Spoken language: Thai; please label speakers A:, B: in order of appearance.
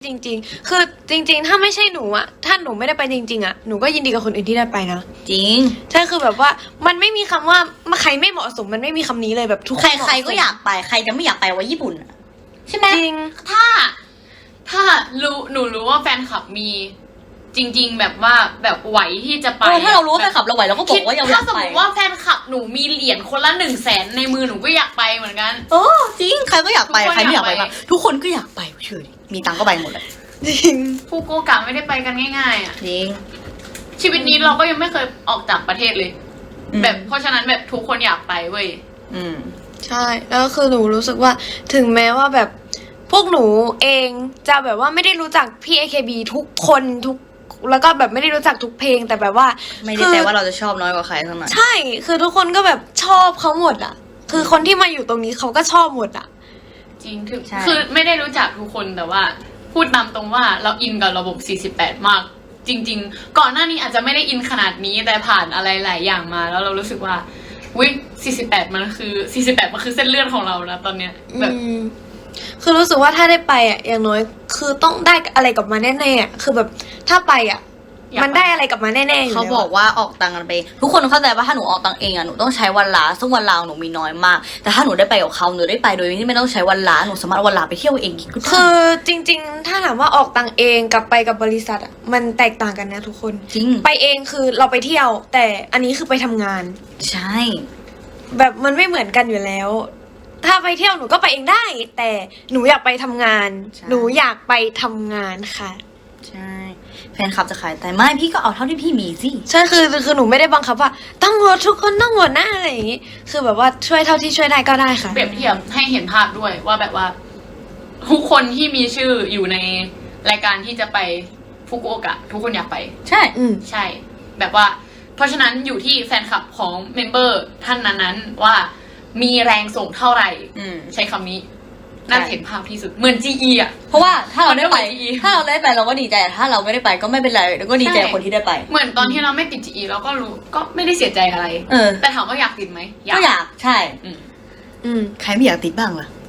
A: จริงๆ คือจริงๆ ถ้าไม่ใช่หนูอะถ้าหนูไม่ได้ไปจริงๆอะหนูก็ยินดีกับคนอื่นที่ได้ไปนะ
B: จริง
A: ใช่คือแบบว่ามันไม่มีคำว่าใครไม่เหมาะสมมันไม่มีคำนี้เลยแบบทุกคน
B: ใครๆก็อยากไปใครจะไม่อยากไปว่าญี่ปุ่นอะใช่ไหม
A: จริง
C: ถ้าหนูรู้ว่าแฟนคลับมีจริง ๆ แบบว่าแบบไหวที่จะไป
B: ถ้าเรารู้ว่าแฟนคลับเราไหวเราก็บอกว่าอยากไป
C: ถ้าสมมติว่าแฟนคลับหนูมีเหรียญคนละ100,000ในมือหนูก็อยากไปเหมือนกัน
B: โอ้จริงใครก็อยากไป
C: ทุกคน
B: ใครไม่อยากไป
C: อยากไป
B: บ้างทุกคนก็อยากไปเชื่อดิมีตังค์ก็ไปหมดเลย
A: จริง
C: ฟูกุโอกะไม่ได้ไปกันง่ายๆอ่ะ
B: จริง
C: ชีวิตนี้เราก็ยังไม่เคยออกจากประเทศเลย
B: อืม
C: แบบเพราะฉะนั้นแบบทุกคนอยากไปเว้ย
B: อืม
A: ใช่แล้วคือหนูรู้สึกว่าถึงแม้ว่าแบบพวกหนูเองจะแบบว่าไม่ได้รู้จักพี่ AKB ทุกคนแล้วก็แบบไม่ได้รู้จักทุกเพลงแต่แบบว่า
B: ไม่ได้แปลว่าเราจะชอบน้อยกว่าใครเท่านั้น
A: ใช่คือทุกคนก็แบบชอบเขาหมดอ่ะ คือคนที่มาอยู่ตรงนี้เขาก็ชอบหมดอ่ะ
C: จริงถึง
B: ใช่
C: คือไม่ได้รู้จักทุกคนแต่ว่าพูดตามตรงว่าเราอินกับระบบ 48 มาก จริง ๆ ก่อนหน้านี้อาจจะไม่ได้อินขนาดนี้แต่ผ่านอะไรหลายอย่างมา แล้วเรารู้สึกว่าวิ48 มันคือเส้นเลือดของเราแล้วตอนเนี้ยแบบ
A: คือรู้สึกว่าถ้าได้ไปอ่ะอย่างน้อยคือต้องได้อะไรกลับมาแน่ๆอ่ะคือแบบถ้าไปอ่ะ
C: อยากไป
A: มันได้อะไรกลับมาแน่ๆอยู่
B: เขา
A: แล้ว
B: บอกว่าออกตังค์กันไป ทุกคนเข้าใจว่าถ้าหนูออกตังค์เองอะหนูต้องใช้วันลาซึ่งวันลาของหนูมีน้อยมาก แต่ถ้าหนูได้ไปกับเขาหนูได้ไปโดยที่ไม่ต้องใช้วันลาหนูสามารถเอาวันลาไปเที่ยวเองก็ได้
A: คือจริงๆ ถ้าถามว่าออกตังค์เองกับไปกับบริษัทอ่ะมันแตกต่างกันนะทุกคน
B: จริง
A: ไปเองคือเราไปเที่ยว แต่อันนี้คือไปทำงาน
B: ใช่
A: แบบมันไม่เหมือนกันอยู่แล้ว ถ้าไปเที่ยวหนูก็ไปเองได้ แต่หนูอยากไปทำงาน หนูอยากไปทำงานค่ะ
B: ใช่แฟนคลับจะขายแต่ไม่พี่ก็เอาเท่าที่พี่มีสิ
A: ใช่คือหนูไม่ได้บังคับว่าต้องหมดทุกคนต้องหมดนะอะไรอย่างงี้ คือแบบว่าช่วยเท่าที่ช่วยได้ก็ได้ค่ะ
C: เปรียบเทียบให้เห็นภาพด้วยว่าแบบว่า ทุกคนที่มีชื่ออยู่ในรายการที่จะไปฟุกุโอกะทุกคนอยากไป
B: ใช่
A: อืม
C: ใช่ แบบว่า เพราะฉะนั้นอยู่ที่แฟนคลับของเมมเบอร์ท่านนั้นๆว่ามีแรงส่งเท่าไหร่
B: อืม
C: ใช้คำนี้น่าจะเห็นภาพที่สุดเหมือน GE อ่ะ
B: เพราะว่าถ้าเราได้ไป
C: มันก็เหมือน GE
B: ถ้าเราได้ไปเราก็ดีใจแต่ถ้าเราไม่ได้ไปก็ไม่เป็นไรแล้วก็ดีใจ
C: ใช่
B: คนที่ได้ไป
C: เหมือนตอนที่เราไม่ติด GE เราก็รู้ก็ไม่ได้เสียใจอะไร
B: เออ
C: แต่ถามว่าอยากติดไหม
B: ก็อยากใช่
C: อืม
A: อืม
B: ใครไม่อยากติดบ้างล่ะ